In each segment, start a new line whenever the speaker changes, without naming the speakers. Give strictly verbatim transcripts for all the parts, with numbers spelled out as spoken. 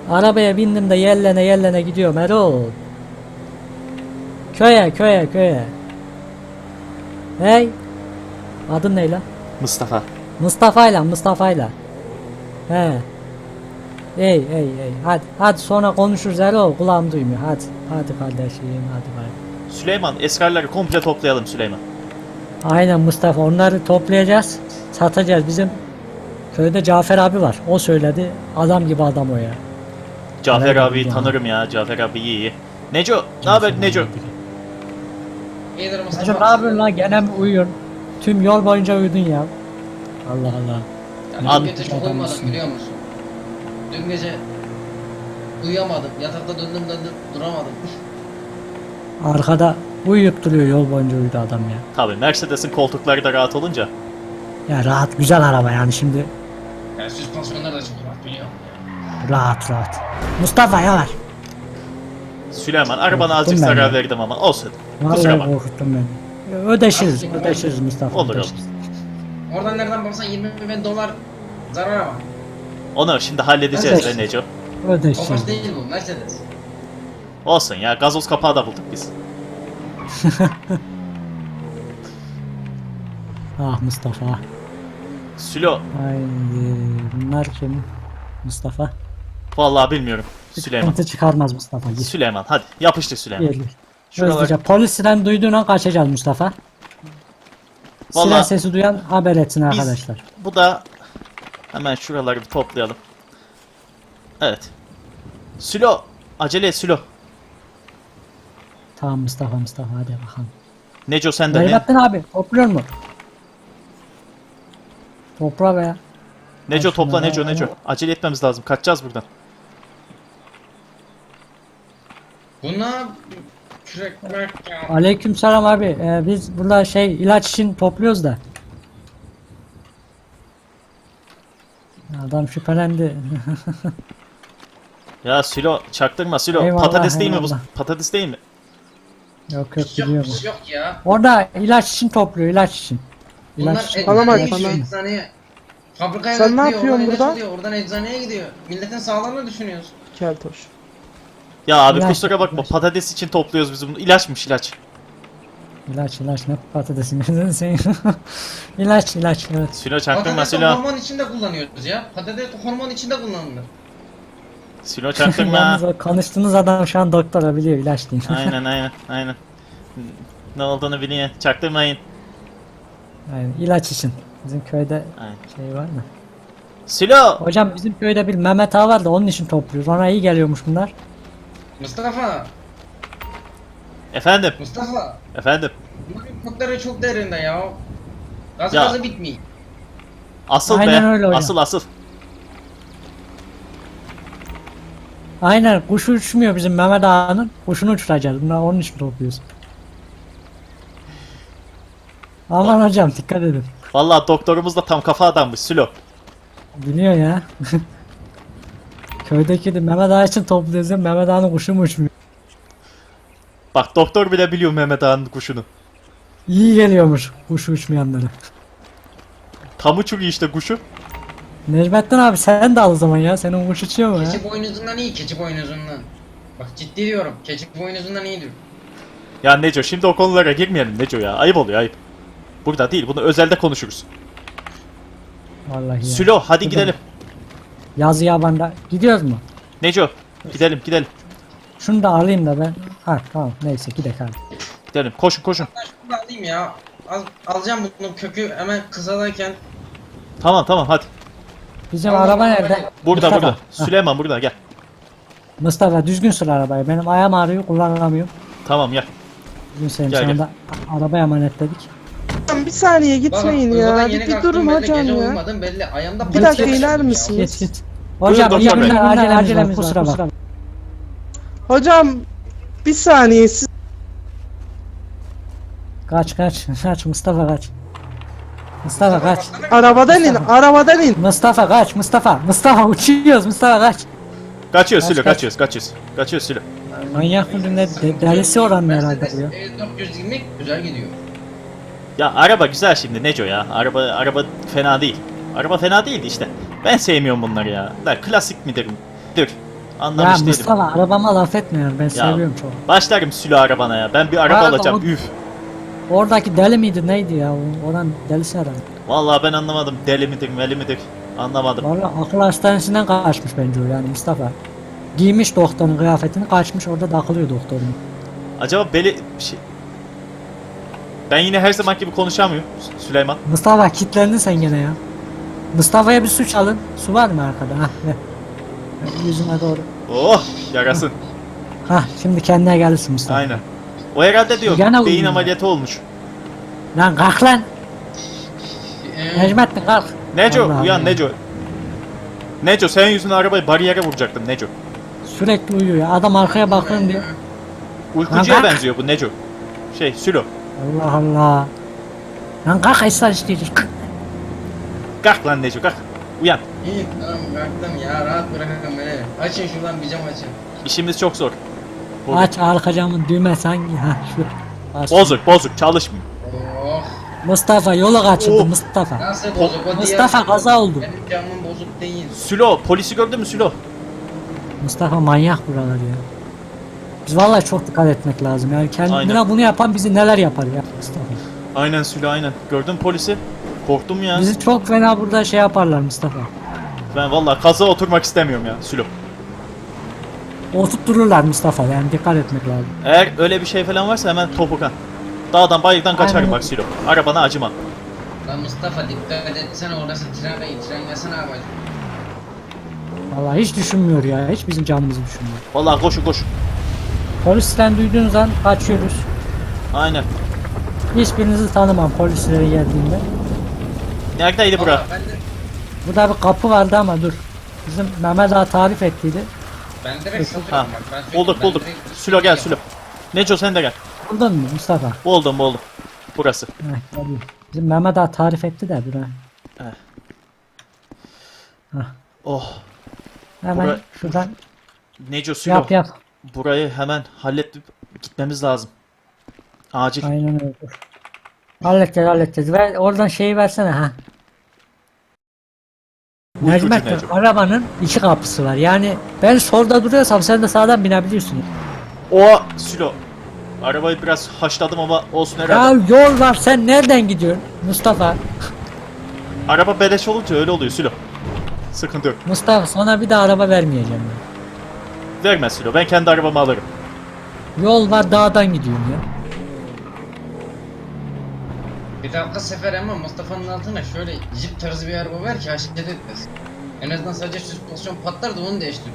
Arabaya bindim de yellene yellene gidiyorum Erol. Köye köye köye. Hey. Adın ne lan?
Mustafa.
Mustafa'yla Mustafa'yla. He. Ey ey ey. Hadi hadi sonra konuşuruz Erol. Kulağım duymuyor. Hadi. Hadi kardeşim. Hadi hadi.
Süleyman, eskarları komple toplayalım Süleyman.
Aynen Mustafa. Onları toplayacağız. Satacağız. Bizim köyde Cafer abi var. O söyledi. Adam gibi adam o ya.
Cafer
Helal
abiyi
olsun
tanırım ya. Cafer abi iyi iyi. Neco, ne haber Neco?
İyidir Mustafa.
Hacım ne yapıyorsun lan? Gene mi uyuyorsun? Tüm yol boyunca uyudun ya. Allah Allah.
Ya
Abi-
dün gece çok uyumadım biliyor musun? Dün gece uyuyamadım. Yatakta döndüm döndüm duramadım.
Arkada uyuyup duruyor, yol boyunca uyudu adam ya.
Tabii Mercedes'in koltukları da rahat olunca.
Ya rahat, güzel araba yani şimdi.
Yani süspansiyonlar da çok rahat biliyorum.
Rahat rahat. Mustafa yavaş.
Süleyman, arabana
Korktum
azıcık
ben
zarar
ya.
verdim ama olsun. Kusura
Vallahi
bakma.
korkuttun beni. Ödeşiriz,
Aslında
ödeşiriz Mustafa.
Olur,
ödeşiriz.
Oradan nereden baksan yirmi bin dolar zarar ama.
Onu şimdi halledeceğiz
Evet.
be Neco.
Ödeşiriz.
Tofaş değil bu Mercedes.
Olsun ya, gazoz kapağı da bulduk biz.
Ah Mustafa.
Sülo,
Haydi. Bunlar kim? Mustafa.
vallahi bilmiyorum. Süleyman.
Sıkıntı çıkarmaz Mustafa. Gir.
Süleyman, hadi yapıştır Süleyman.
Gir.
Şuralar-
Hızlıca. Polis siren duyduğun an kaçacağız Mustafa. Siren
Vallahi
sesi duyan haber etsin arkadaşlar.
bu da hemen şuraları bir toplayalım. Evet. Sülo, acele et Sülo.
Tamam Mustafa Mustafa hadi bakalım.
Neco sen de ne?
Mehmettin abi topluyor mu? Topla be.
Neco
Bak
topla
şuna,
Neco
ben-
Neco. Acele etmemiz lazım. Kaçacağız buradan.
Buna kürek kürek ya.
Aleykümselam abi. Ee, biz burada şey ilaç için topluyoruz da. Adam şüphelendi.
Ya Sülo çaktırma Sülo.
Eyvallah,
Patates değil mi bu?
eyvallah.
Patates değil mi?
yok yok
Hiç yok,
biliyorum.
hiç yok ya.
Orada ilaç için topluyor ilaç için.
Bunlar
İlaç için.
Tamam,
eczaneye
tamam.
gidiyor eczaneye. Fabrikaya
Sen ne
götürüyor,
yapıyorsun
oradan ilaç
burada?
alıyor, oradan eczaneye gidiyor. Milletin sağlığını düşünüyorsun.
Keltoş.
Ya abi
İlaç,
kusura bakma.
ilaç.
Patates için topluyoruz biz bunu. İlaçmış ilaç.
İlaç ilaç ne patatesin gözünü seveyim. İlaç ilaç evet.
Sülo çaktırma
Patates
Sülo.
hormon içinde kullanıyoruz ya. Patates hormon içinde kullanılır.
Sülo çaktırma.
Yalnız o konuştuğunuz adam şu an doktora biliyor ilaç değil.
Aynen aynen aynen. Ne olduğunu biliyor. Çaktırmayın.
Yani ilaç için. Bizim köyde
Aynen.
şey var mı?
Sülo.
Hocam bizim köyde bir Mehmet Ağa var da onun için topluyoruz. Ona iyi geliyormuş bunlar.
Mustafa,
Efendim.
Mustafa.
Efendim.
Bunların kökleri çok derinde ya. Gaz
Ya.
gazı bitmiyor.
Asıl
Aynen
be.
öyle hocam.
Asıl asıl.
Aynen kuş uçmuyor bizim Mehmet Ağa'nın. Kuşunu uçuracağız. Bunlar onun için topluyoruz. Aman hocam dikkat edin.
Vallahi doktorumuz da tam kafa adammış Sülo.
Biliyor ya. Köydeki de Mehmet Ağa için topluyoruz ya. Mehmet Ağa'nın kuşu mu uçmuyor?
Bak doktor bile biliyor Mehmet Ağa'nın kuşunu.
İyi geliyormuş kuşu uçmayanlara.
Tam uçuruyor işte kuşu.
Necmettin abi sen de al o zaman ya. Senin kuş uçuyor mu ya?
Keçi boynuzundan iyi, keçi boynuzundan. Bak ciddi diyorum, keçi boynuzundan iyidir.
Ya Neco şimdi o konulara girmeyelim Neco ya. Ayıp oluyor ayıp. Burada değil bunu özelde konuşuruz.
Vallahi ya.
Sülo hadi
Burada-
gidelim.
Yazı yabanda. Gidiyoruz mu?
Neco gidelim gidelim.
Şunu da alayım da ben. Ha tamam neyse gidelim abi.
Gidelim koşun koşun.
Ben şunu da alayım ya. Al, alacağım bunun kökü hemen kısadayken.
Tamam tamam hadi.
Bizim
Tamam,
araba
tamam,
nerede?
hadi.
Burada
Mustafa.
burada.
Ha,
Süleyman burada gel.
Mustafa düzgün sür arabayı. Benim ayağım ağrıyor kullanamıyorum.
Tamam gel.
Bugün senin
Gel,
şu
gel.
anda arabaya emanetledik.
Hocam bir saniye gitmeyin
Bak,
ya.
uykudan
Bir,
yeni
bir
kalktım
durun
belli,
hocam
gece
ya.
uyumadım belli. Ayağımda
Bir
panik
dakika
yaşadım
iner
ya.
misiniz?
Git git. Hocam
Buyurun
iyi
doktor bey.
günler acelemiz var kusura bak.
Hocam bir saniye siz
Kaç kaç kaç Mustafa kaç. Mustafa kaç.
arabadan in,
Mustafa.
arabadan in.
Mustafa kaç Mustafa. Mustafa uçuyoruz Mustafa kaç.
Kaçıyoruz
Kaç,
Sülo
kaç.
kaçıyoruz kaçıyoruz. Kaçıyoruz Sülo.
Manyak mısın ne de, delisi oranın herhalde
Mercedes
bu ya.
E dört yüz yirmi güzel gidiyor.
Ya araba güzel şimdi Neco ya. Araba araba fena değil. Araba fena değildi işte. Ben sevmiyorum bunları ya. La klasik midir? Dur.
Ya
Anlamış değilim.
Mustafa arabama laf etme ya, ben seviyorum çok.
Başlarım Sülo arabana ya. Ben bir araba
Abi,
alacağım.
o-
Üf.
Oradaki deli miydi neydi ya? O- Oran delisi herhalde.
Vallahi ben anlamadım. Deli midir, meli midir? Anlamadım.
Valla akıl hastanesinden kaçmış bence o yani Mustafa. Giymiş doktorun kıyafetini kaçmış orada takılıyor doktorun.
Acaba beli şey... Ben yine her zaman gibi konuşamıyorum Sü- Süleyman.
Mustafa kilitlendin sen gene ya. Mustafa'ya bir su çalın. Su var mı arkada? Hah ver. Ver, yüzüme doğru.
Oh yarasın.
Hah şimdi kendine gelirsin Mustafa.
Aynen. O herhalde diyor
Gene
beyin
uyuyor.
ameliyatı olmuş.
Lan kalk lan.
Ee,
Necmettin kalk.
Neco
Allah
uyan
Allah.
Neco. Neco senin yüzünden arabayı bariyere vuracaktım Neco.
Sürekli uyuyor ya. Adam arkaya bakın diyor.
Uykucuya
Lan kalk.
benziyor bu Neco. Şey Sülo.
Allah Allah. Lan kalk esrar isteyeceğiz. Kalk.
Kalk lan Neco kalk. Uyan.
İyi tamam kalktım ya rahat bırakın beni. Açın şuradan bir cam açın.
İşimiz çok zor. Bozuk.
Aç arka camın düğmesi hangi? Ha şu. Bas.
Bozuk bozuk çalışmıyor.
Oh.
Mustafa yolu kaçırdı
Oh.
Mustafa.
Nasıl bozuk o
Mustafa
diğer-
kaza oldu.
Benim camım bozuk değil.
Sülo polisi gördün mü Sülo?
Mustafa manyak buralar ya. Biz vallahi çok dikkat etmek lazım. Yani kendine
Aynen.
bunu yapan bizi neler yapar ya Mustafa.
Aynen Sülo aynen. Gördün mü polisi? Korktum ya.
Bizi çok fena burada şey yaparlar Mustafa.
Ben vallahi kaza oturmak istemiyorum ya Sülo.
Oturttururlar Mustafa yani dikkat etmek lazım.
Eğer öyle bir şey falan varsa hemen topukan. Dağdan bayırdan kaçarım
Aynen.
bak Sülo. Arabana acımam.
Lan Mustafa dikkat etsene orası tren değil. Tren yasana yapacak.
Vallahi hiç düşünmüyor ya. Hiç bizim canımızı düşünmüyor.
Vallahi koşun koşun.
Polisten duyduğunuz an kaçıyoruz.
Aynen.
Hiçbirinizi tanımam polislere geldiğinde.
Neredeydi bura?
Aa, ben de
Burada bir kapı vardı ama dur. Bizim Mehmet Ağa tarif ettiydi.
ben direkt
Ha.
satıyorum bak. Ben söyleyeyim,
Bulduk
ben
bulduk.
direkt-
Sülo gel Sülo. Neco sen de gel.
Buldun mu Mustafa?
Buldum buldum. Burası.
Heh, tabii. Bizim Mehmet Ağa tarif etti de bura.
Oh.
Hemen
Bura-
şuradan
Neco Sülo.
yap yap.
Burayı hemen halledip gitmemiz lazım. Acil.
Aynen öyle. Dur. Halledeceğiz halledeceğiz. Ver, oradan şeyi versene ha.
Uykucu
Necmettin
Neco.
arabanın iki kapısı var. Yani ben solda duruyorsam sen de sağdan binebiliyorsun.
O Sülo. Arabayı biraz haşladım ama olsun
Ya
herhalde.
yol var sen nereden gidiyorsun Mustafa?
Araba beleş olunca öyle oluyor Sülo. Sıkıntı yok.
Mustafa sana bir daha araba vermeyeceğim ben.
Verme Sülo. Ben kendi arabamı alırım.
Yol var dağdan gidiyorum ya.
Bir dakika sefer ama Mustafa'nın altına şöyle jip tarzı bir araba ver ki hareket etmesin. En azından sadece süspansiyon patlar da onu değiştirir.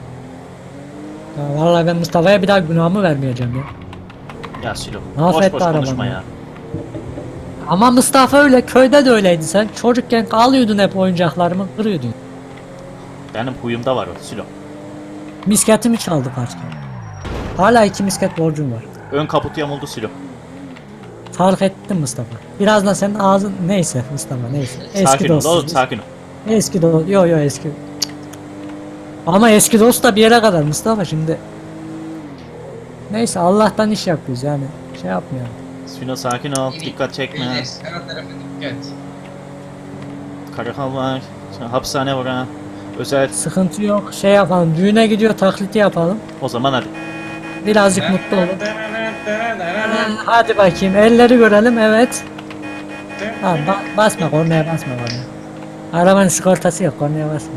Ya vallahi ben Mustafa'ya bir daha günahımı vermeyeceğim ya.
Ya Sülo.
Mahvetti
Boş boş konuşma
arabanı.
ya.
Ama Mustafa öyle köyde de öyleydi sen. Çocukken alıyordun hep oyuncaklarımı kırıyordun.
Benim huyumda var o Sülo.
Misketimi çaldı kaç kere. Hala iki misket borcum var.
Ön kaputu yamuldu Sülo.
Fark ettim Mustafa. Birazdan senin ağzın neyse Mustafa neyse. Eski
Sakin ol
dostuz
oğlum
biz.
sakin ol.
Eski dost. Yo yo eski. Ama eski dost da bir yere kadar Mustafa şimdi. Neyse Allah'tan iş yapıyoruz yani. Şey yapmayalım.
Sülo sakin ol. Dikkat çekme.
İyileş, her tarafa dikkat.
Karakol var. Sonra hapishane var ha. Özel.
Sıkıntı yok. Şey yapalım. Düğüne gidiyor taklidi yapalım.
O zaman hadi.
Birazcık mutlu olun. Hadi bakayım. Elleri görelim. Evet. Tamam ba- basma kornaya basma kornaya. Arabanın sigortası yok kornaya basma.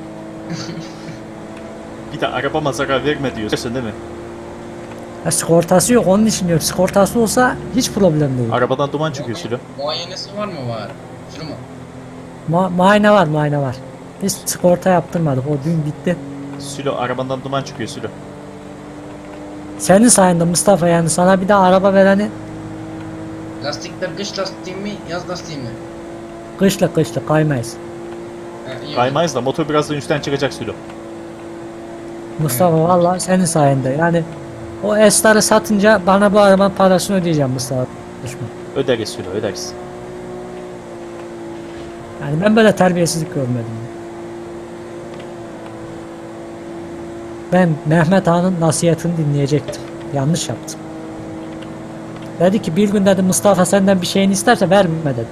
Bir de arabama zarar verme diyorsun değil mi?
Ya, sigortası yok onun için diyorum. Sigortası olsa hiç problem değil.
Arabadan duman çıkıyor Sülo.
Muayenesi var mı var? Şunu mu?
Ma muayene var muayene var. Biz sigorta yaptırmadık. O dün bitti.
Sülo arabandan duman çıkıyor Sülo.
Senin sayende Mustafa yani sana bir daha araba vereni
Lastikler kış lastiği mi, yaz lastiği mi?
kışlık kışlık kaymayız.
Ha, iyi.
Kaymayız da motor birazdan üstten çıkacak Sülo.
Mustafa vallahi senin sayende yani o esları satınca bana bu arabanın parasını ödeyeceğim Mustafa. Düşman.
Öderiz Sülo öderiz.
Yani ben böyle terbiyesizlik görmedim. Ben Mehmet Ağa'nın nasihatini dinleyecektim. Yanlış yaptım. Dedi ki bir gün dedi Mustafa senden bir şeyini isterse verme dedi.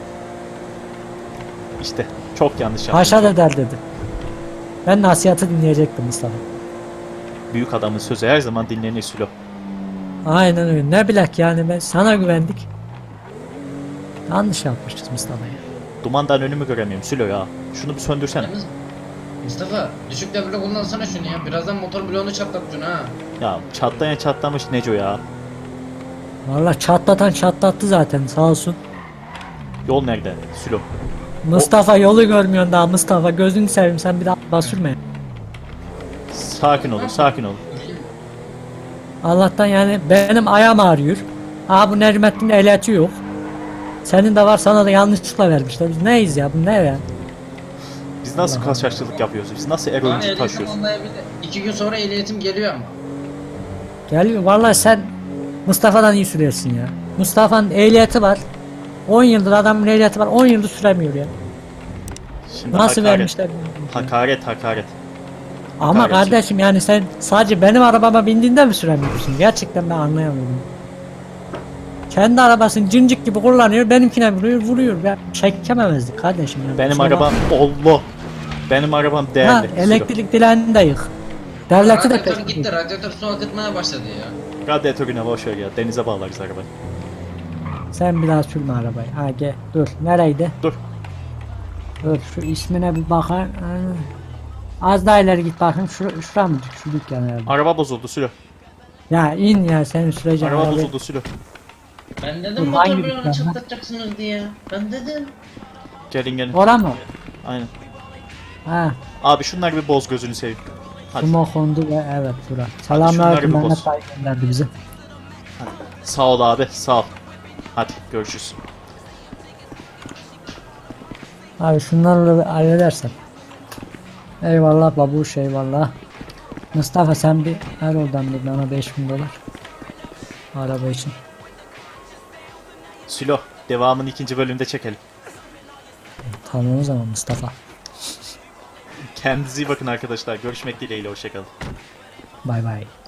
İşte çok yanlış yaptım.
Haşa eder dedi. Ben nasihatı dinleyecektim Mustafa.
Büyük adamın sözü her zaman dinlenir Sülo.
Aynen öyle. Ne bilek yani ben sana güvendik. Yanlış yapmışız Mustafa'ya.
Dumandan önümü göremiyorum Sülo ya. Şunu bir söndürsene.
Yalnız Mustafa düşük devirde kullansana şunu ya. Birazdan motor bloğunu çatlatacaksın ha.
Ya çatlayan çatlamış Neco ya.
Valla çatlatan çatlattı zaten sağ olsun.
Yol nerede Sülo?
Mustafa yolu görmüyorsun daha Mustafa gözünü seveyim sen bir daha araba sürme.
Sakin olun sakin olun.
Allah'tan yani benim ayağım ağrıyor. Aa bu Necmettin'in ehliyeti yok. Senin de var sana da yanlışlıkla vermişler. Biz neyiz ya bu ne ya?
Biz nasıl
Allah
kaçakçılık yapıyoruz? Biz nasıl
Bana
eroinci
ehliyetim
taşıyoruz?
olmayabilir. İki gün sonra ehliyetim geliyor ama.
Geliyor vallahi sen Mustafa'dan iyi sürüyorsun ya. Mustafa'nın ehliyeti var. on yıldır adamın ehliyeti var on yıldır süremiyor ya.
Şimdi
Nasıl
hakaret,
vermişler bilmiyorum.
Hakaret hakaret.
Ama
hakaret.
kardeşim yani sen sadece benim arabama bindiğinde mi süremiyorsun? Gerçekten ben anlayamıyorum. Kendi arabasını cincik gibi kullanıyor, benimkine vuruyor, vuruyor. Ben çekememezdik kardeşim. Yani.
Benim
Kusura
arabam Allah. Benim arabam
bakma.
değerli.
Ha,
Sülo.
elektrik dileğini de yık. Devleti de
Radyatör
peşin.
gitti. Radyatör su akıtmaya başladı ya.
Radyatörüne boş ver ya. Denize bağlarız arabayı.
Sen bir daha sürme arabayı. Ha gel. Dur. Nereydi?
Dur.
Dur şu ismine bir bakar. Ha. Az daha ileri git bakayım. Şura, şura mı? Şu dükkan herhalde.
Araba bozuldu Sülo.
Ya in ya senin süreceğin
Araba
arabayı.
bozuldu Sülo.
Ben
Dur,
dedim
hangi
motor
dükkan
bloğunu
lan?
çatlatacaksınız diye. Ben dedim.
Gelin gelin.
Ora mı?
Aynen.
Ha.
Abi şunları bir boz gözünü seveyim. Hadi.
Sumo kondu ve evet bura.
şunları
Selamünaleyküm
bir
Mehmet
boz.
Bey gönderdi bizi.
Sağ ol abi sağ ol. Hadi görüşürüz.
Abi şunlarla bir halledersen. Eyvallah babuş eyvallah. Mustafa sen bir ver oradan bir bana beş bin dolar. Araba için.
Sülo devamını ikinci bölümde çekelim.
Tamam o zaman Mustafa.
Kendinize iyi bakın arkadaşlar. Görüşmek dileğiyle hoşçakalın.
Bay bay.